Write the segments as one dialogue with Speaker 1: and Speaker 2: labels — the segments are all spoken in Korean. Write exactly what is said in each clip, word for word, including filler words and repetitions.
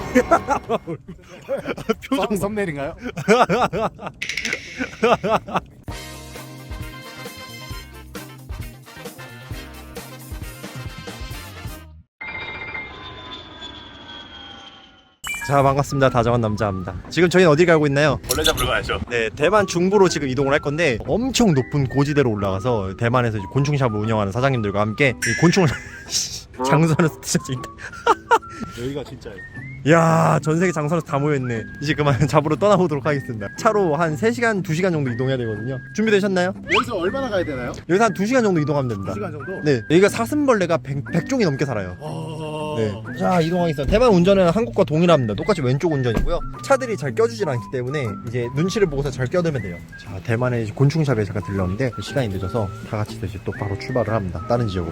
Speaker 1: 표정 썸네일인가요?
Speaker 2: 자, 반갑습니다. 다정한 남자입니다. 지금 저희는 어디 가고 있나요?
Speaker 1: 원래 잡으러 가야죠.
Speaker 2: 네, 대만 중부로 지금 이동을 할 건데 엄청 높은 고지대로 올라가서 대만에서 이제 곤충샵을 운영하는 사장님들과 함께 이 곤충을 장선에서 진짜
Speaker 1: 여기가 진짜예요.
Speaker 2: 야, 전 세계 장선에서 다 모여있네. 이제 그만 잡으러 떠나보도록 하겠습니다. 차로 한 세 시간, 두 시간 정도 이동해야 되거든요. 준비되셨나요?
Speaker 1: 여기서 얼마나 가야 되나요?
Speaker 2: 여기서 한 두 시간 정도 이동하면 됩니다.
Speaker 1: 두 시간 정도?
Speaker 2: 네, 여기가 사슴벌레가 백, 백 종이 넘게 살아요.
Speaker 1: 와...
Speaker 2: 네. 자, 이동하겠습니다. 대만 운전은 한국과 동일합니다. 똑같이 왼쪽 운전이고요. 차들이 잘 껴주질 않기 때문에 이제 눈치를 보고서 잘 껴들면 돼요. 자, 대만의 이제 곤충샵에 잠깐 들렀는데 시간이 늦어서 다 같이 이제 또 바로 출발을 합니다. 다른 지역으로.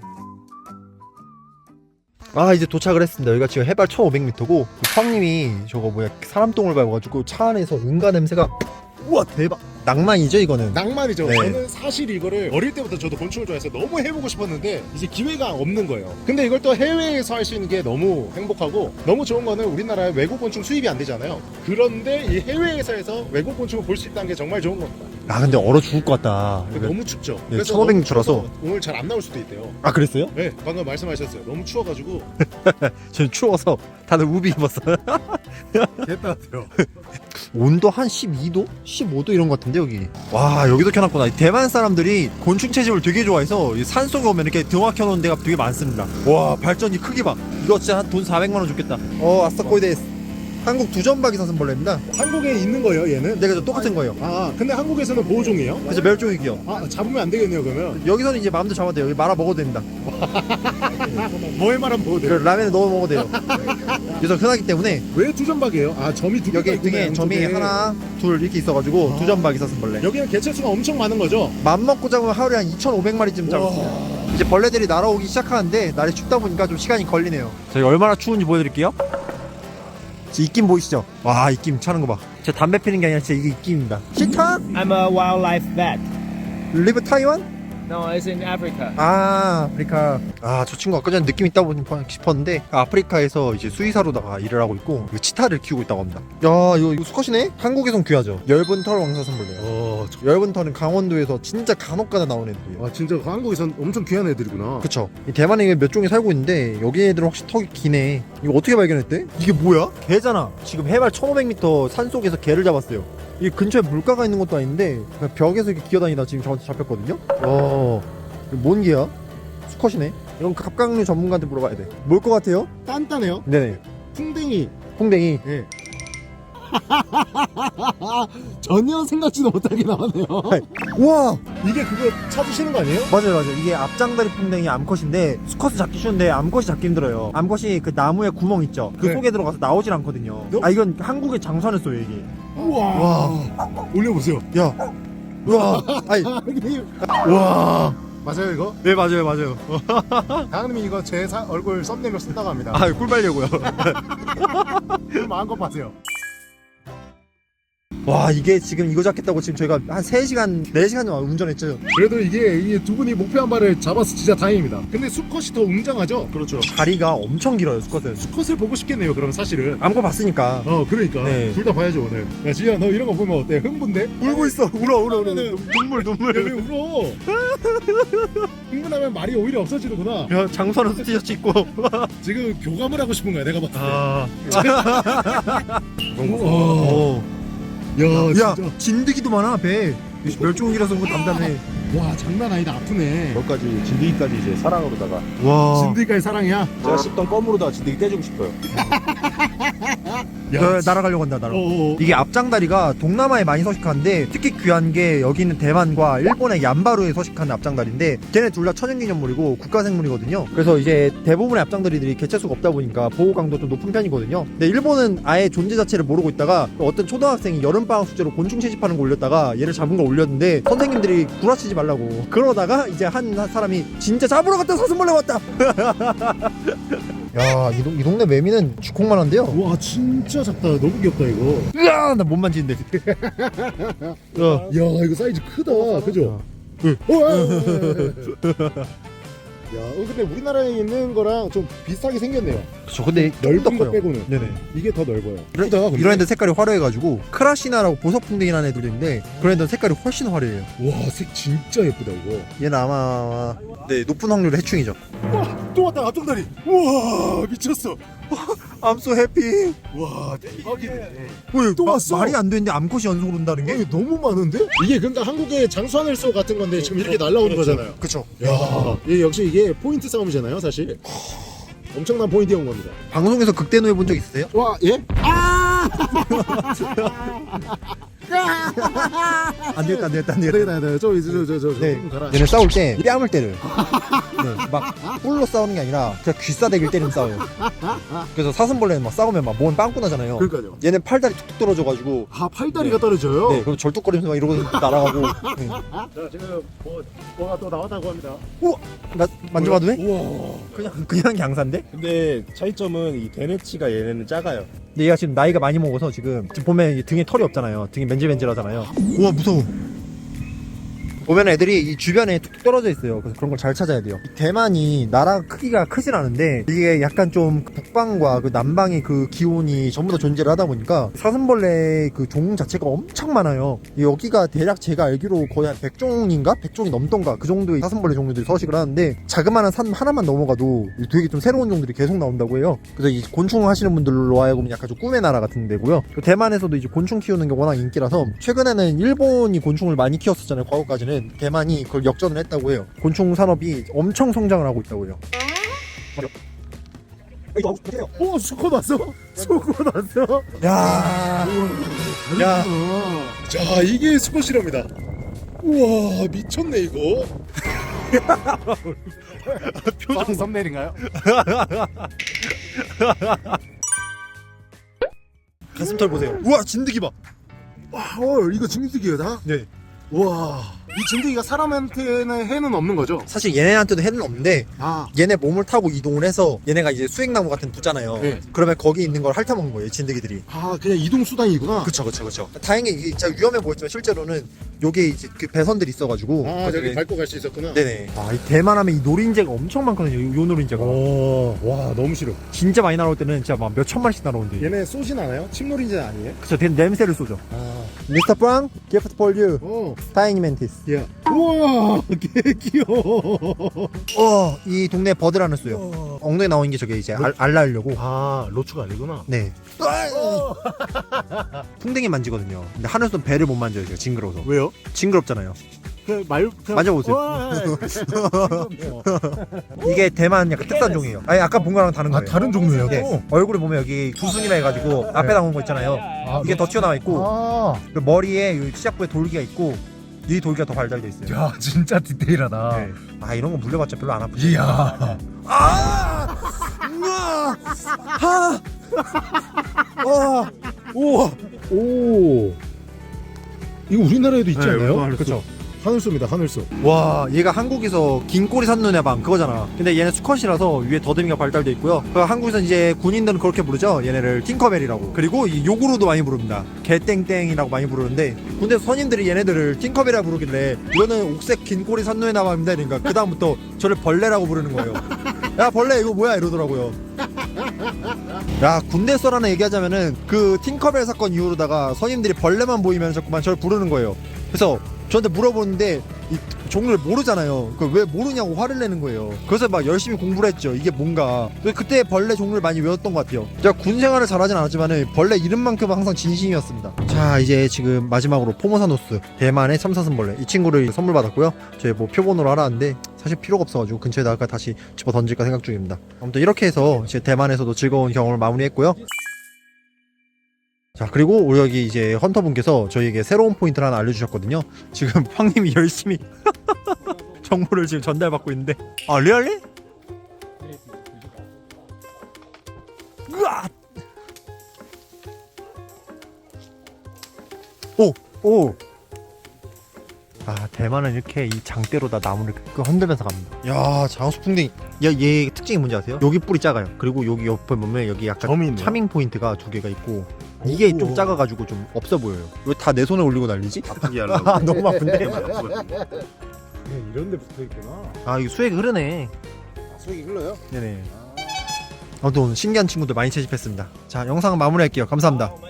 Speaker 2: 아, 이제 도착을 했습니다. 여기가 지금 해발 천오백 미터고 형님이 저거 뭐야 사람 똥을 밟아가지고 차 안에서 응가 냄새가 우와 대박. 낭만이죠 이거는.
Speaker 1: 낭만이죠.
Speaker 2: 네.
Speaker 1: 저는 사실 이거를 어릴 때부터 저도 곤충을 좋아해서 너무 해보고 싶었는데 이제 기회가 없는 거예요. 근데 이걸 또 해외에서 할 수 있는 게 너무 행복하고 너무 좋은 거는 우리나라에 외국 곤충 수입이 안 되잖아요. 그런데 이 해외에서 해서 외국 곤충을 볼 수 있다는 게 정말 좋은 겁니다.
Speaker 2: 아, 근데 얼어 죽을 것 같다.
Speaker 1: 너무 춥죠.
Speaker 2: 네, 천오백 미터라서
Speaker 1: 오늘 잘 안 나올 수도 있대요.
Speaker 2: 아, 그랬어요?
Speaker 1: 네, 방금 말씀하셨어요. 너무 추워가지고
Speaker 2: 지금 추워서 다들 우비 입었어요.
Speaker 1: 개따뜻해요.
Speaker 2: 온도 한 십이 도? 십오 도 이런 것 같은데 여기. 와, 여기도 켜놨구나. 대만 사람들이 곤충 채집을 되게 좋아해서 이 산속에 오면 이렇게 등화 켜놓은 데가 되게 많습니다. 와, 발전기 크기 봐. 이거 진짜 한 돈 사백만 원 줬겠다. 어, 아싸코이데스. 한국 두점박이 사슴벌레입니다.
Speaker 1: 한국에 있는 거예요, 얘는?
Speaker 2: 네, 그죠. 똑같은 거예요.
Speaker 1: 아, 근데 한국에서는 보호종이에요?
Speaker 2: 그래서 멸종위기요.
Speaker 1: 아, 잡으면 안 되겠네요, 그러면.
Speaker 2: 여기서는 이제 마음대로 잡아도 돼요. 여기 말아 먹어도 됩니다.
Speaker 1: 뭐에 말하면 보호
Speaker 2: 그
Speaker 1: 돼요?
Speaker 2: 라면에 넣어 먹어도 돼요. 그래서 흔하기 때문에
Speaker 1: 왜 두점박이에요? 아, 점이 두 개가
Speaker 2: 여기 등에
Speaker 1: 있구나,
Speaker 2: 점이
Speaker 1: 양쪽에.
Speaker 2: 하나, 둘 이렇게 있어가지고
Speaker 1: 아.
Speaker 2: 두점박이 사슴벌레.
Speaker 1: 여기는 개체수가 엄청 많은 거죠?
Speaker 2: 맘 먹고 잡으면 하루에 한 이천오백 마리쯤 잡을 수 있어요. 이제 벌레들이 날아오기 시작하는데 날이 춥다 보니까 좀 시간이 걸리네요. 저희 얼마나 추운지 보여드릴게요. 지 입김 보이시죠? 와, 입김 차는 거 봐. 제 담배 피는 게 아니라 진짜 이게 입김입니다. 시타?
Speaker 3: I'm a wildlife vet.
Speaker 2: 리브 타이완?
Speaker 3: No, it's in Africa.
Speaker 2: 아, 아프리카. 아, 저 친구 아까 전에 느낌 있다 보니 싶었는데 아프리카에서 이제 수의사로다가 일을 하고 있고 치타를 키우고 있다고 합니다. 야, 이거, 이거 수컷이네? 한국에선 귀하죠. 엷은 털 왕사슴벌레요.
Speaker 1: 어, 저...
Speaker 2: 엷은 털은 강원도에서 진짜 간혹가다 나오는 애들이에요.
Speaker 1: 아, 진짜 한국에선 엄청 귀한 애들이구나.
Speaker 2: 그쵸. 이 대만에 몇 종이 살고 있는데 여기 애들은 확실히 턱이 기네. 이거 어떻게 발견했대? 이게 뭐야? 개잖아. 지금 해발 천오백 미터 산속에서 개를 잡았어요. 이 근처에 물가가 있는 것도 아닌데 그냥 벽에서 이렇게 기어다니다 지금 저한테 잡혔거든요. 어, 이거 뭔 개야? 수컷이네. 이런 갑각류 전문가한테 물어봐야 돼. 뭘 것 같아요?
Speaker 1: 단단해요?
Speaker 2: 네네.
Speaker 1: 풍뎅이.
Speaker 2: 풍뎅이.
Speaker 1: 예. 전혀 생각지도 못하게 나왔네요.
Speaker 2: 우와,
Speaker 1: 이게 그거 찾으시는 거 아니에요?
Speaker 2: 맞아요 맞아요. 이게 앞장다리 풍뎅이 암컷인데 수컷을 잡기 쉬운데 암컷이 잡기 힘들어요. 암컷이 그 나무에 구멍 있죠. 그
Speaker 1: 네.
Speaker 2: 속에 들어가서 나오질 않거든요.
Speaker 1: 너-
Speaker 2: 아, 이건 한국에 장선했어요 이게.
Speaker 1: 우와.
Speaker 2: 와.
Speaker 1: 올려보세요.
Speaker 2: 야, 우와, 아니,
Speaker 1: 이게-
Speaker 2: 우와.
Speaker 1: 맞아요, 이거?
Speaker 2: 네, 맞아요 맞아요.
Speaker 1: 다은님이 이거 제 사, 얼굴 썸네일로 쓴다고 합니다.
Speaker 2: 아, 꿀 빨려고요.
Speaker 1: 꿀 마음껏 파세요.
Speaker 2: 와, 이게 지금 이거 잡겠다고 지금 저희가 한 세 시간, 네 시간 정도 운전했죠.
Speaker 1: 그래도 이게 이 두 분이 목표 한 발을 잡아서 진짜 다행입니다. 근데 수컷이 더 웅장하죠? 그렇죠.
Speaker 2: 다리가 엄청 길어요, 수컷은.
Speaker 1: 수컷을 보고 싶겠네요, 그럼 사실은.
Speaker 2: 암컷 봤으니까.
Speaker 1: 어, 그러니까.
Speaker 2: 네.
Speaker 1: 둘 다 봐야죠, 오늘. 야, 지희야, 너 이런 거 보면 어때? 흥분돼?
Speaker 2: 울고 있어. 울어, 울어, 울어.
Speaker 1: 네.
Speaker 2: 눈물,
Speaker 1: 야, 왜
Speaker 2: 눈물.
Speaker 1: 울어? 흥분하면 말이 오히려 없어지는구나.
Speaker 2: 야, 장선에서 티셔츠 입고.
Speaker 1: 지금 교감을 하고 싶은 거야, 내가 봤을 때.
Speaker 2: 아.
Speaker 1: 우와.
Speaker 2: 오.
Speaker 1: 야,
Speaker 2: 야,
Speaker 1: 진짜.
Speaker 2: 진드기도 많아, 배. 멸종위기라서 그거 담담해.
Speaker 1: 와, 장난 아니다. 아프네.
Speaker 4: 저까지 진드기까지 이제 사랑으로다가
Speaker 2: 와.
Speaker 1: 진드기까지 사랑이야?
Speaker 4: 제가 씹던 껌으로다가 진드기 떼주고 싶어요.
Speaker 1: 야,
Speaker 2: 어, 날아가려고 한다, 날아.
Speaker 1: 어어.
Speaker 2: 이게 앞장다리가 동남아에 많이 서식하는데 특히 귀한 게 여기 있는 대만과 일본의 얀바루에 서식하는 앞장다리인데 걔네 둘 다 천연기념물이고 국가생물이거든요. 그래서 이제 대부분의 앞장다리들이 개체수가 없다 보니까 보호 강도 좀 높은 편이거든요. 근데 일본은 아예 존재 자체를 모르고 있다가 어떤 초등학생이 여름방학 숙제로 곤충 채집하는 거 올렸다가 얘를 잡은 거 올렸는데 선생님들이 구라치지 말라고 그러다가 이제 한 사람이 진짜 잡으러 갔다 사슴벌레 왔다. 야, 이, 동, 이 동네 매미는 주콩만 한데요.
Speaker 1: 와, 진짜 작다. 너무 귀엽다, 이거.
Speaker 2: 으아, 나 못 만지는데. 야,
Speaker 1: 야, 이거 사이즈 크다. 그죠?
Speaker 2: 응.
Speaker 1: 어, 아, 아, 아, 야, 어, 근데 우리나라에 있는 거랑 좀 비슷하게 생겼네요.
Speaker 2: 그쵸. 근데
Speaker 1: 넓은 거
Speaker 2: 커요.
Speaker 1: 빼고는.
Speaker 2: 네네.
Speaker 1: 이게 더 넓어요.
Speaker 2: 이런,
Speaker 1: 크다, 근데.
Speaker 2: 이런 애들 색깔이 화려해가지고 크라시나라고 보석풍뎅이라는 애들도 있는데 그런 애들은 색깔이 훨씬 화려해요.
Speaker 1: 와, 색 진짜 예쁘다 이거.
Speaker 2: 얘는 아마 네 높은 확률 해충이죠.
Speaker 1: 와, 또 왔다 앞정다리. 우와, 미쳤어.
Speaker 2: I'm so happy.
Speaker 1: 와, 대박이네.
Speaker 2: 왜,
Speaker 1: 또
Speaker 2: 마-
Speaker 1: 왔어.
Speaker 2: 말이 안 되는데 암컷이 연속으로 온다는 게?
Speaker 1: 이게 너무 많은데? 이게 그러니까 한국의 장수하늘소 같은 건데 지금 이렇게 날라오는 거잖아요.
Speaker 2: 그쵸.
Speaker 1: 야, 이게 역시 이게 포인트 싸움이잖아요, 사실. 엄청난 포인트에 온 겁니다.
Speaker 2: 방송에서 극대노 해본 적 있으세요?
Speaker 1: 와, 예? 아!
Speaker 2: 안 되겠다 안 되겠다 안 되겠다.
Speaker 1: 네, 네, 네. 저, 저, 저, 저, 저,
Speaker 2: 네,
Speaker 1: 좀 가라.
Speaker 2: 얘네 싸울 때 뺨을 때려요. 네, 막 뿔로 싸우는 게 아니라 그냥 귀싸대기를 때리면 싸워요. 그래서 사슴벌레는 막 싸우면 막 몸 빵꾸 나잖아요.
Speaker 1: 그러니까요.
Speaker 2: 얘는 팔다리 툭툭 떨어져가지고
Speaker 1: 아, 팔다리가 떨어져요?
Speaker 2: 네, 그럼 절뚝거리면서 막 이러고 날아가고. 네.
Speaker 1: 자, 지금 뭐, 뭐가 또 나왔다고 합니다.
Speaker 2: 우와, 나 만져봐도 돼?
Speaker 1: 우와.
Speaker 2: 그냥 그냥 양산데?
Speaker 4: 근데 차이점은 이 데네치가 얘네는 작아요.
Speaker 2: 근데 얘가 지금 나이가 많이 먹어서 지금, 지금 보면 이 등에 털이 없잖아요. 등이 맨질맨질하잖아요. 우와 무서워. 보면 애들이 이 주변에 툭툭 떨어져 있어요. 그래서 그런 걸 잘 찾아야 돼요. 이 대만이 나라 크기가 크진 않은데 이게 약간 좀 북방과 그 남방의 그 기온이 전부 다 존재를 하다 보니까 사슴벌레 그 종 자체가 엄청 많아요. 여기가 대략 제가 알기로 거의 한 백 종인가? 백 종이 넘던가 그 정도의 사슴벌레 종류들이 서식을 하는데 자그마한 산 하나만 넘어가도 되게 좀 새로운 종들이 계속 나온다고 해요. 그래서 이 곤충 하시는 분들로 하여금 약간 좀 꿈의 나라 같은 데고요. 대만에서도 이제 곤충 키우는 게 워낙 인기라서 최근에는 일본이 곤충을 많이 키웠었잖아요. 과거까지는. 대만이 그걸 역전을 했다고 해요. 곤충 산업이 엄청 성장을 하고 있다고 해요.
Speaker 1: 오, 수컷 왔어? 수컷 왔어?
Speaker 2: 야, 야,
Speaker 1: 자, 이게 수컷이랍니다. 우와, 미쳤네, 이거. 표정 썸네일인가요?
Speaker 2: 가슴털 보세요. 우와, 진드기 봐.
Speaker 1: 와, 어, 이거 진드기다?
Speaker 2: 네.
Speaker 1: 와, 이 진드기가 사람한테는 해는 없는 거죠?
Speaker 2: 사실 얘네한테도 해는 없는데
Speaker 1: 아,
Speaker 2: 얘네 몸을 타고 이동을 해서 얘네가 이제 수액나무 같은 부잖아요.
Speaker 1: 네.
Speaker 2: 그러면 거기 있는 걸 핥아먹는 거예요, 진드기들이.
Speaker 1: 아, 그냥 이동 수단이구나.
Speaker 2: 그쵸, 그쵸, 그쵸. 다행히 이게 진짜 위험해 보였지만 실제로는 요게 이제 그 배선들이 있어가지고.
Speaker 1: 아, 저기
Speaker 2: 네.
Speaker 1: 밟고 갈 수 있었구나.
Speaker 2: 네네. 아, 이 대만 하면 이 노린재가 엄청 많거든요, 요, 요 노린재가.
Speaker 1: 오, 와, 너무 싫어.
Speaker 2: 진짜 많이 날아올 때는 진짜 막 몇 천 마리씩 날아오는데.
Speaker 1: 얘네 쏘진 않아요? 침놀이는 아니에요?
Speaker 2: 그쵸, 대- 냄새를 쏘죠.
Speaker 1: 아,
Speaker 2: 미스터 프랑, gift for you.
Speaker 1: 어,
Speaker 2: 타이니 멘티스.
Speaker 1: 야, 우와, 개 귀여워.
Speaker 2: 어, 이 동네 버드라는 쏘요. 엉덩이 나오는 게 저게 이제 알, 알라하려고.
Speaker 1: 아, 로추가 아니구나.
Speaker 2: 네. 풍뎅이 만지거든요. 근데 하늘선 배를 못 만져요, 제가 징그러워서.
Speaker 1: 왜요?
Speaker 2: 징그럽잖아요.
Speaker 1: 그 말, 그냥-
Speaker 2: 만져보세요.
Speaker 1: 와,
Speaker 2: 이게 대만 약간 특산 종이에요. 아니 아까 본 거랑 다른
Speaker 1: 아,
Speaker 2: 거예요.
Speaker 1: 다른 종류예요?
Speaker 2: 네.
Speaker 1: 또?
Speaker 2: 얼굴에 보면 여기 두순이라 해가지고 앞에 나온 거 있잖아요.
Speaker 1: 아,
Speaker 2: 이게 더 튀어나와 있고
Speaker 1: 아,
Speaker 2: 그리고 머리에 이 시작부에 돌기가 있고 이 돌기가 더 발달돼 있어요.
Speaker 1: 야, 진짜 디테일하다.
Speaker 2: 네. 아 이런 거 물려봤자 별로 안 아프죠.
Speaker 1: 이야.
Speaker 2: 아! 우와! 하! 와!
Speaker 1: 우와. 오. 이거 우리나라에도 있지
Speaker 2: 네,
Speaker 1: 않나요?
Speaker 2: 이거 하늘소.
Speaker 1: 그쵸. 하늘소입니다, 하늘소.
Speaker 2: 와, 얘가 한국에서 긴 꼬리 샀는 애방 그거잖아. 근데 얘는 수컷이라서 위에 더듬이가 발달돼 있고요. 그 한국에서 이제 군인들은 그렇게 부르죠. 얘네를 팅커벨이라고. 그리고 이 욕으로도 많이 부릅니다. 개땡땡이라고 많이 부르는데 군대 선임들이 얘네들을 팅커벨이라고 부르길래 이거는 옥색 긴 꼬리 산누에 나방입니다. 그러니까 그 다음부터 저를 벌레라고 부르는 거예요. 야 벌레 이거 뭐야 이러더라고요. 야 군대 썰하나 얘기하자면은 그 팅커벨 사건 이후로다가 선임들이 벌레만 보이면 자꾸만 저를 부르는 거예요. 그래서 저한테 물어보는데 이 종류를 모르잖아요. 그 왜 모르냐고 화를 내는 거예요. 그래서 막 열심히 공부를 했죠. 이게 뭔가. 그때 벌레 종류를 많이 외웠던 것 같아요. 제가 군 생활을 잘하진 않았지만 벌레 이름만큼은 항상 진심이었습니다. 자 이제 지금 마지막으로 포모사노스 대만의 참사슴벌레 이 친구를 선물 받았고요. 저희 뭐 표본으로 하라는데 사실 필요가 없어가지고 근처에다가 다시 집어 던질까 생각 중입니다. 아무튼 이렇게 해서 이제 대만에서도 즐거운 경험을 마무리했고요. 자 그리고 우리 여기 이제 헌터분께서 저희에게 새로운 포인트를 하나 알려주셨거든요. 지금 황님이 열심히 정보를 지금 전달받고 있는데 아 리얼리? 으아! 오! 오! 아 대만은 이렇게 이 장대로다 나무를 끄 흔들면서 갑니다. 야 장수풍뎅이 야얘 특징이 뭔지 아세요? 여기 뿔이 작아요. 그리고 여기 옆에 보면 여기 약간
Speaker 1: 점이 있네요.
Speaker 2: 차밍 포인트가 두 개가 있고 이게 좀 작아가지고 좀 없어 보여요. 왜 다 내 손에 올리고 난리지?
Speaker 4: 아프게 하려고.
Speaker 2: 아 너무 아픈데?
Speaker 1: 이런 데 붙어 있구나.
Speaker 2: 아 이거 수액 흐르네.
Speaker 1: 수액이 흘러요?
Speaker 2: 네네. 아무튼 오늘 신기한 친구들 많이 채집했습니다. 자, 영상 마무리할게요. 감사합니다.